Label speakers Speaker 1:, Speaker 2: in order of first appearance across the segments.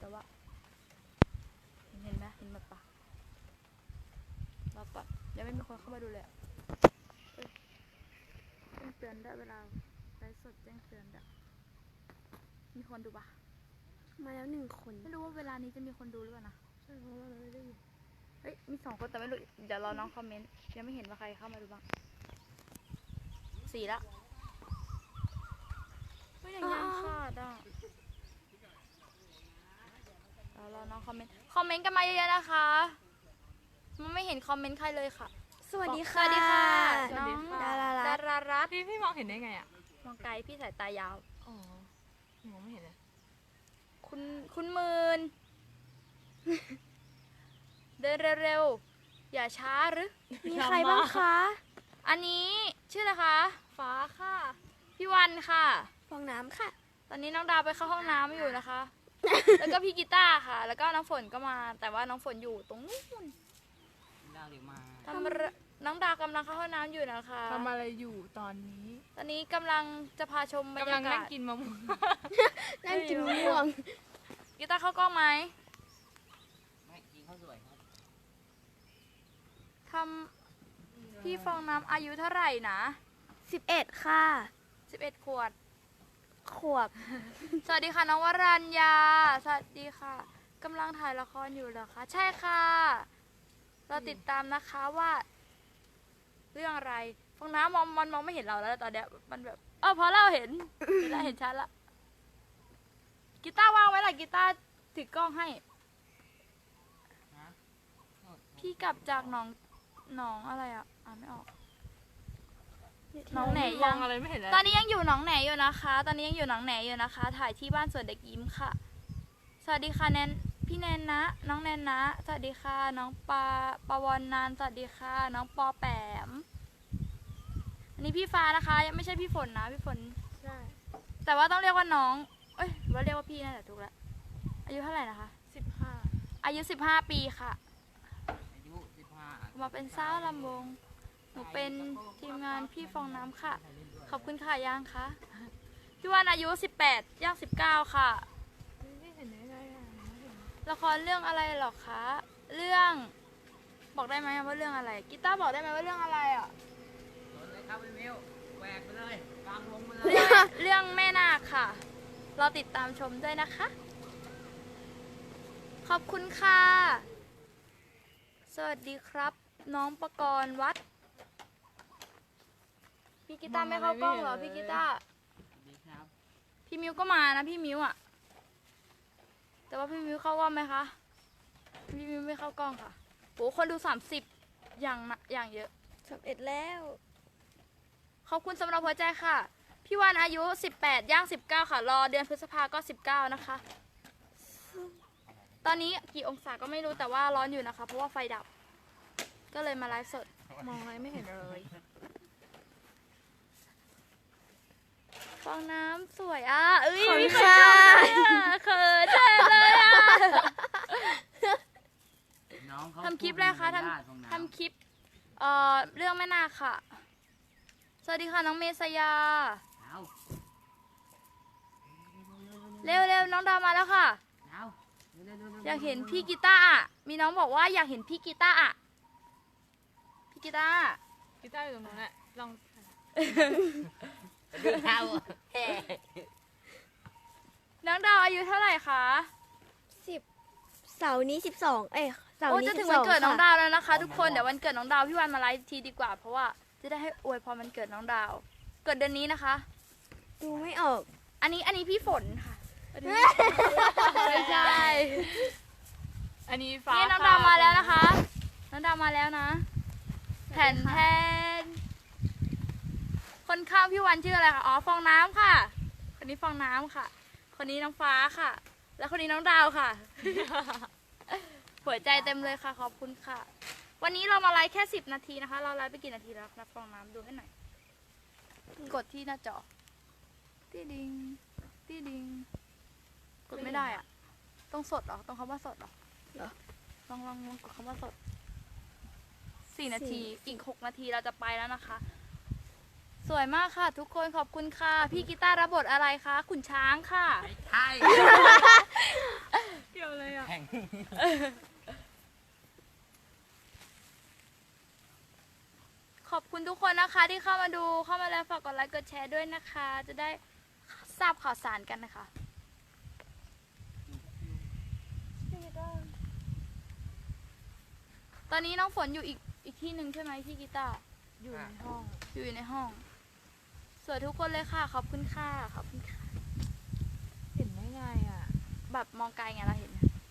Speaker 1: แต่ว่าเห็นไหมเห็นหมดปะรอก่อนยังไม่มีคนเข้ามาดูเลยแจ้งเตือนได้เวลาไลฟ์สดแจ้งเตือนได้มีคนดูปะ
Speaker 2: มาแล้ว1 คน
Speaker 1: ไม่รู้ว่าเวลานี้จะมีคนดูหรือเปล่านะ
Speaker 2: ใช่เพราะว่าเราไม่ได้อยู่
Speaker 1: เฮ้ยมี2 คนแต่ไม่รู้เดี๋ยวรอน้องคอมเมนต์ยังไม่เห็นว่าใครเข้ามาดูบ้าง4ละไม่ยังขาดอ่ะรอน้องคอมเมนต์กันมาเยอะๆนะคะมันไม่เห็นคอมเมนต์ใครเลยค่ะ
Speaker 2: สวัสดีค่ะ
Speaker 1: สวัสดีค่ะ
Speaker 2: น้อง
Speaker 1: ดารารัตน์
Speaker 3: พี่มองเห็นได้ไงอ่ะ
Speaker 1: มองไกลพี่สายตายาว
Speaker 3: อ๋อมองไม่เห็นเลย
Speaker 1: คุณหมื่น เดินเร็วๆอย่าช้าหรือ
Speaker 2: มีใครบ้างคะ
Speaker 1: อันนี้ชื่ออะไรคะฟ้าค่ะพี่วันค่ะ
Speaker 2: ฟองน้ำค่ะ
Speaker 1: ตอนนี้น้องดาวไปเข้าห้องน้ำอยู่นะคะ แล้วก็พี่กีตาร์ค่ะ แล้วก็น้องฝนก็มา แต่ว่าน้องฝนอยู่ตรงนู้นน้องดาวกำลังเข้าห้องน้ำอยู่นะคะ
Speaker 3: ทำอะไรอยู่ตอนนี้
Speaker 1: ตอนนี้กำลังจะพาชมบรร
Speaker 3: กำลั
Speaker 1: ยาง กา
Speaker 3: นั่ง
Speaker 1: ศ
Speaker 3: กินมะม่วง
Speaker 2: นั่งกินมะม่วง
Speaker 1: กีตาร์เข้ากล้องไหม
Speaker 4: ไม่จริงเขาสวยครับ
Speaker 1: ทำพี่ฟองน้ำอายุเท่าไหร่นะ
Speaker 2: 11 ค่ะ
Speaker 1: 11 ขวบ
Speaker 2: ขวบ
Speaker 1: สวัสดีค่ะน้องวรัญญาสวัสดีค่ะกำลังถ่ายละครอยู่เหรอคะใช่ค่ะเราติดตามนะคะว่า เรื่องอะไรฟองน้ำมันมองไม่เห็นเราแล้วตอนเนี้ยมันแบบพอเราเห็นเห็นชัดละกีตาร์วางไว้ล่ะกีตาร์ถือกล้องให้พี่กลับจากหนองอะไรอ่ะอ่านไม่ออกหนองแหน
Speaker 3: ม
Speaker 1: ยั
Speaker 3: อง งอะไรไม่เห็นเลย
Speaker 1: ตอนนี้ยังอยู่หนองแหนอยู่นะคะ ถ่ายที่บ้านสวนเด็กยิ้มค่ะ สวัสดีค่ะพี่แนนนะ น้องแนนนะ สวัสดีค่ะ น้องปาวรนันท์สวัสดีค่ะ น้องปอแปม อันนี้พี่ฟ้านะคะ ยังไม่ใช่พี่ฝนนะพี่ฝน
Speaker 2: ใช่
Speaker 1: แต่ว่าต้องเรียกว่าน้อง ว่าเรียกว่าพี่นั่นแหละถูกแล้ว อายุเท่าไหร่นะคะ
Speaker 2: 15
Speaker 1: อายุ15 ปีค่ะ
Speaker 4: อายุ15
Speaker 1: มาเป็นสาวลำวง หนูเป็นทีมงานพี่ฟองน้ำค่ะ ขอบคุณค่ะยังคะพี่วันอายุ18ย่าง19ค่ะ
Speaker 3: ไม่เห็นได้ไงอ่ะ
Speaker 1: ละครเรื่องอะไรหรอคะ เรื่องบอกได้ไหมว่าเรื่องอะไรกีตาร์บอกได้ไหมว่าเรื่องอะไรอ่ะ
Speaker 4: สนเลยครับพี่มิวแหวกไปเลยกลางวงไปเลย
Speaker 1: เรื่องแม่นาคค่ะ เราติดตามชมด้วยนะคะ ขอบคุณค่ะ สวัสดีครับ น้องประกรณ์วัดพี่กีตาร์ไม่เข้ากล้องเหรอพี่กีตาร์
Speaker 4: ดีครับ
Speaker 1: พี่มิวก็มานะพี่มิวอ่ะ แต่ว่าพี่มิวเข้ากล้องไหมคะ พี่มิวไม่เข้ากล้องค่ะโหคนดู30อย่างเยอะ
Speaker 2: 11 แล้ว
Speaker 1: ขอบคุณสำหรับหัวใจค่ะ พี่วันอายุ18ย่าง19ค่ะ รอเดือนพฤษภาก็19นะคะ ตอนนี้กี่องศาก็ไม่รู้แต่ว่าร้อนอยู่นะคะ เพราะว่าไฟดับ ก็เลยมาไลฟ์สด
Speaker 3: มองอะไรไม่เห็นเลย
Speaker 1: ฟองน้ำสวยอ่ะเอ้ย
Speaker 2: ขอบคุณ
Speaker 1: มีคน
Speaker 2: ค่ะ
Speaker 1: ชมเลยอ่ะเขินแทนเลยอ่ะ
Speaker 4: น้องเขา
Speaker 1: ทำคลิปอะไรคะทำคลิปเรื่องแม่นาคค่ะ สวัสดีค่ะน้องเมษยา
Speaker 4: เอา
Speaker 1: เร็วๆน้องดาวมาแล้วค่ะ
Speaker 4: เอาเร็วๆๆๆ
Speaker 1: อยากเห็นพี่กีตาร์อ่ะมีน้องบอกว่าอยากเห็นพี่กีตาร์อ่ะพี่กีตาร์
Speaker 3: กีตาร์อยู่ตรงนู้นแหละลอง
Speaker 4: ดึงเท้า
Speaker 1: น้องดาวอายุเท่าไหร่คะ
Speaker 2: 10 เสาร์นี้ 12 เสาร์
Speaker 1: โอ้
Speaker 2: นี้
Speaker 1: จะถึง
Speaker 2: 12
Speaker 1: วันเกิดน้อง
Speaker 2: ค่ะ
Speaker 1: ดาวแล้วนะคะ ทุกคนเดี๋ยววันเกิดน้องดาวพี่วันมาไลฟ์ทีดีกว่า เพราะว่าจะได้ให้อวยพรวันเกิดน้องดาว เกิดเดือนนี้นะคะ
Speaker 2: ดูไม่ออก
Speaker 1: อันนี้พี่ฝนค่ะไม่ใช่
Speaker 3: อันนี้ฟ้า
Speaker 1: นี่น้องดาวมาแล้วนะคะ น้องดาวมาแล้วนะแผ่นแทนคนข้างพี่วันชื่ออะไรคะอ๋อฟองน้ำค่ะ คนนี้ฟองน้ำค่ะ คนนี้น้องฟ้าค่ะ แล้วคนนี้น้องดาวค่ะ หัวใจเต็มเลยค่ะขอบคุณค่ะ วันนี้เรามาไลฟ์แค่10 นาทีนะคะ เราไลฟ์ไปกี่นาทีแล้วนะฟองน้ำดูให้หน่อยกดที่หน้าจอตีดิงตีดิงกดไม่ได้อะต้องสดเหรอต้องคำว่าสดเหรอ
Speaker 2: เหรอ
Speaker 1: ลองกดคำว่าสด4 นาทีอีก6 นาทีเราจะไปแล้วนะคะ สวยมากค่ะ ทุกคนขอบคุณค่ะพี่กีตาร์รับบทอะไรคะขุนช้างค่ะ
Speaker 4: ไม่ใช่
Speaker 3: พี่
Speaker 1: ขอบคุณทุกคนนะคะที่เข้ามาดูเข้ามาแล้วฝากกดไลค์กดแชร์ด้วยนะคะ จะได้ทราบข่าวสารกันนะคะ ตอนนี้น้องฝนอยู่อีกที่หนึ่งใช่ไหมพี่กีตาร์
Speaker 3: อยู่ในห้อง
Speaker 1: อยู่ในห้องสวยทุกคนเลยค่ะขอบคุณค่ะขอบคุณค่ะ
Speaker 3: เห็นได้ไงอ่ะ
Speaker 1: แบบมองไกลไงเราเห็น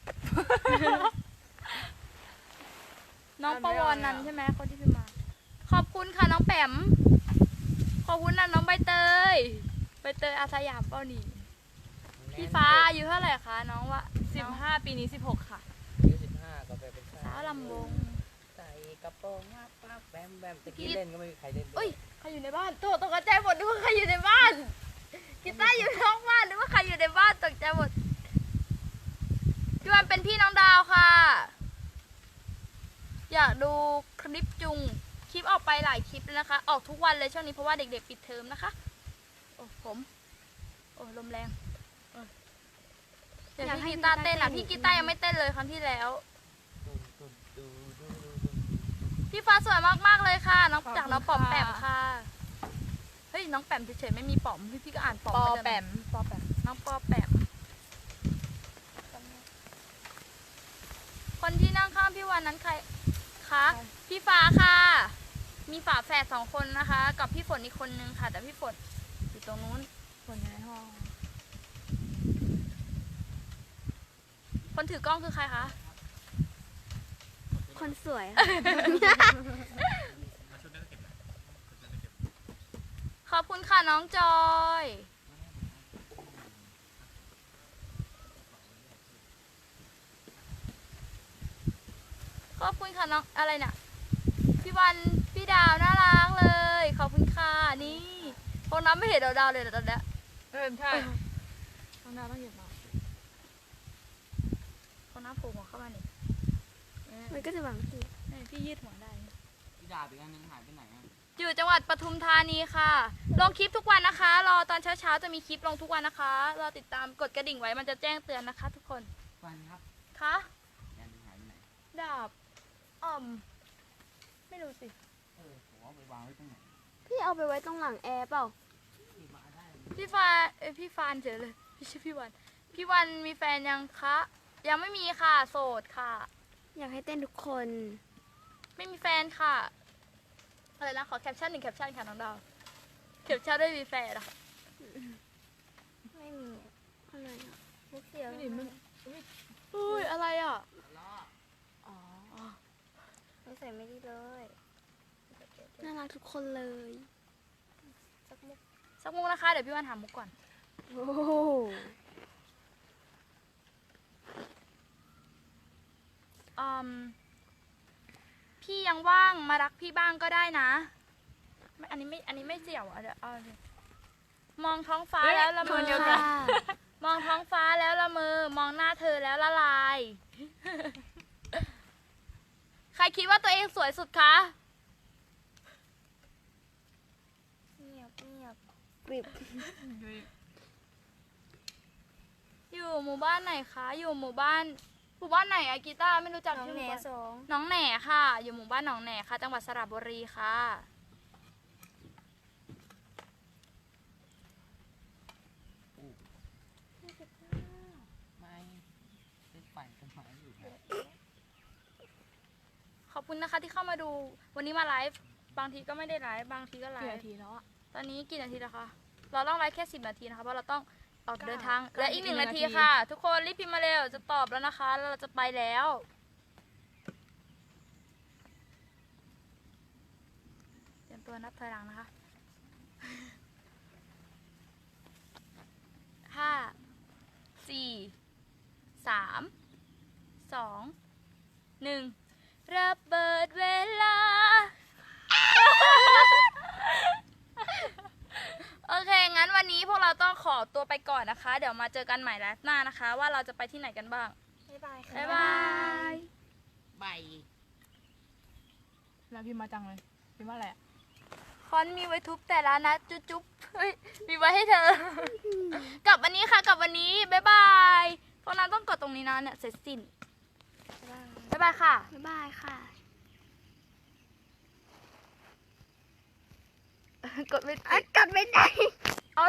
Speaker 1: น้องประวรนันท์ใช่ไหมคนที่พิมพ์มา ขอบคุณค่ะน้องแปมขอบคุณนะน้องใบเตยอาสยามเป้าหนีพี่ฟ้าอายุเท่าไหร่คะน้องวะน้อง
Speaker 3: 15 ปีนี้ 16 ค่ะ
Speaker 4: อายุ15ก็ไปเป็น
Speaker 1: สาวลำวง
Speaker 4: ใส่กระโปรงงับปั๊บแบมแบมตะกี้เล่นก็ไม่มีใครเล่นด้
Speaker 1: เอ้
Speaker 4: วย ย
Speaker 1: ใครอยู่ในบ้านตกใจหมดนึกว่าใครอยู่ในบ้านกีตาร์อยู่นอกบ้านนึกว่าใครอยู่ในบ้านตกใจหมดพี่วันเป็นพี่น้องดาวค่ะ อยากดูคลิปจุงคลิปออกไปหลายคลิปเลยนะคะ ออกทุกวันเลยช่วงนี้เพราะว่าเด็กๆปิดเทอมนะคะโอ้โอ้ลมแรงเดี๋ยวพี่กีตาร์เต้นอ่ะพี่กีตาร์ยังไม่เต้นเลยครั้งที่แล้ว พี่ฟ้าสวยมากๆเลยค่ะ น้อง
Speaker 3: ขอบคุณ
Speaker 1: จากน้องป๋อม
Speaker 3: ค่ะ
Speaker 1: แปมค่ะ เฮ้ยน้องแปมเฉยๆไม่มีป๋อมพี่ก็อ่านป๋อม
Speaker 3: ปอ
Speaker 1: ไปเลย
Speaker 3: แปมปอแปม
Speaker 1: น้องปอแปมคนที่นั่งข้างพี่วันนั้นใครคะพี่ฟ้าค่ะ มีฝาแฝด2 คนนะคะ กับพี่ฝนอีกคนนึงค่ะ แต่พี่ฝนอยู่ตรงนู้น
Speaker 3: คนอยู่ในห้อง
Speaker 1: คนถือกล้องคือใครคะ
Speaker 2: คนสวย
Speaker 1: ขอบคุณค่ะน้องจอยขอบคุณค่ะน้องอะไรน่ะพี่วันพี่ดาวน่ารักเลยขอบคุณค่ะนี่พวกน้ำไม่เห็นดาวเลยตอนเนี้ย
Speaker 3: ใช่น้องดาวต้องหยิบมา
Speaker 1: พวกน้ำโผล่หัวเข้ามานี่
Speaker 2: มันก็จะหวังที่
Speaker 1: พี่ยืดหัวได้
Speaker 4: พี่ดาบอีกอันนึงหายไปไหนอ่ะ
Speaker 1: อยู่จังหวัดปทุมธานีค่ะ ลงคลิปทุกวันนะคะ รอตอนเช้าๆจะมีคลิปลงทุกวันนะคะ รอติดตามกดกระดิ่งไว้มันจะแจ้งเตือนนะคะ ทุกคน
Speaker 4: วันครับ
Speaker 1: คะ
Speaker 4: อีกอันนึงหายไปไหน
Speaker 1: ดาบไม่รู้สิ
Speaker 4: ผมเอาไปวางไว้ตรงไหน
Speaker 2: พี่เอาไปไว้ตรงหลังแอร์เปล่า
Speaker 4: ที่มาได้
Speaker 1: พี่ฟานเฉยเลยไม่ใช่พี่วัน พี่วันมีแฟนยังคะ ยังไม่มีค่ะ โสดค่ะ
Speaker 2: อยากให้เต้นทุกคน
Speaker 1: ไม่มีแฟนค่ะ อะไรนะ ขอแคปชั่น1 แคปชั่นค่ะน้องดาวแคปชั่นด้วยมีแฟนอะค่ะ
Speaker 2: ไม่มีอะไรอ่ะมุกเสียว
Speaker 3: ไม่ดิมัน
Speaker 1: อุ้ยอะไรอ่ะ
Speaker 4: ล้อ
Speaker 3: อ๋อ
Speaker 2: ไม่ใส่ไม่ดีเลย น่ารักทุกคนเลย
Speaker 1: สักมุกนะคะ เดี๋ยวพี่วันถามมุกก่อน
Speaker 2: โอ้โห
Speaker 1: พี่ยังว่างมารักพี่บ้างก็ได้นะอันนี้ไม่เสี่ยวอ่ะเดี๋ยวเอาเลยมองท้องฟ้าแล้วละเมอ
Speaker 2: ค่ะ
Speaker 1: มองท้องฟ้าแล้วละเมอมองหน้าเธอแล้วละลาย ใครคิดว่าตัวเองสวยสุดคะ
Speaker 2: เงียบเงียบกริบ
Speaker 1: อยู่หมู่บ้านไหนคะ อยู่หมู่บ้านไหนอะกีตาร์ไม่รู้จัก
Speaker 2: น้อง
Speaker 1: ชื่อ
Speaker 2: แหน
Speaker 1: หมู่บ้าน
Speaker 2: สอง
Speaker 1: น้องแหน่ค่ะ อยู่หมู่บ้านหนองแหน่ค่ะ จังหวัดสระบุรีค่ะ
Speaker 4: ไม่เป็นปั่นต้นไม้อยู่นะ
Speaker 1: ขอบคุณนะคะที่เข้ามาดูวันนี้มาไลฟ์บางทีก็ไม่ได้ไลฟ์บางทีก็ไล
Speaker 3: กี่
Speaker 1: ฟ์
Speaker 3: นาทีแล้วอ่ะ
Speaker 1: ตอนนี้กี่นาทีแล้วคะเราต้องไลฟ์แค่10 นาทีนะคะเพราะเราต้องออก
Speaker 3: เก้า
Speaker 1: เดินทาง
Speaker 3: เก้า
Speaker 1: และอีก
Speaker 3: อีก
Speaker 1: 1
Speaker 3: 1
Speaker 1: นาที
Speaker 3: นาที
Speaker 1: ค่ะ ทุกคนรีบพิมพ์มาเร็วจะตอบแล้วนะคะแล้วเราจะไปแล้วเตรียมตัวนับถอยหลังนะคะ 5 4 3 2 1ระเบิดเวลา โอเค งั้นวันนี้พวกเราต้องขอตัวไปก่อนนะคะ เดี๋ยวมาเจอกันใหม่ไลฟ์หน้านะคะ ว่าเราจะไปที่ไหนกันบ้าง
Speaker 2: บ๊ายบายค่ะ
Speaker 1: บ๊ายบาย
Speaker 4: ใบ
Speaker 3: แล้วพิมพ์มาจังเลยพิมพ์ว่าอะไรอะ
Speaker 1: คอนมีไว้ทุบแต่ละนะจุ๊บจุ๊บเฮ้ย มีไว้ให้เธอ กลับวันนี้ค่ะ กลับวันนี้ บ๊ายบายพวกเราต้องกดตรงนี้นะเนี่ย เสร็จสิ้นบ๊ายบายค่ะ
Speaker 2: บ๊ายบายค่ะ
Speaker 1: กดไม่ติด
Speaker 2: กัดไม่ได้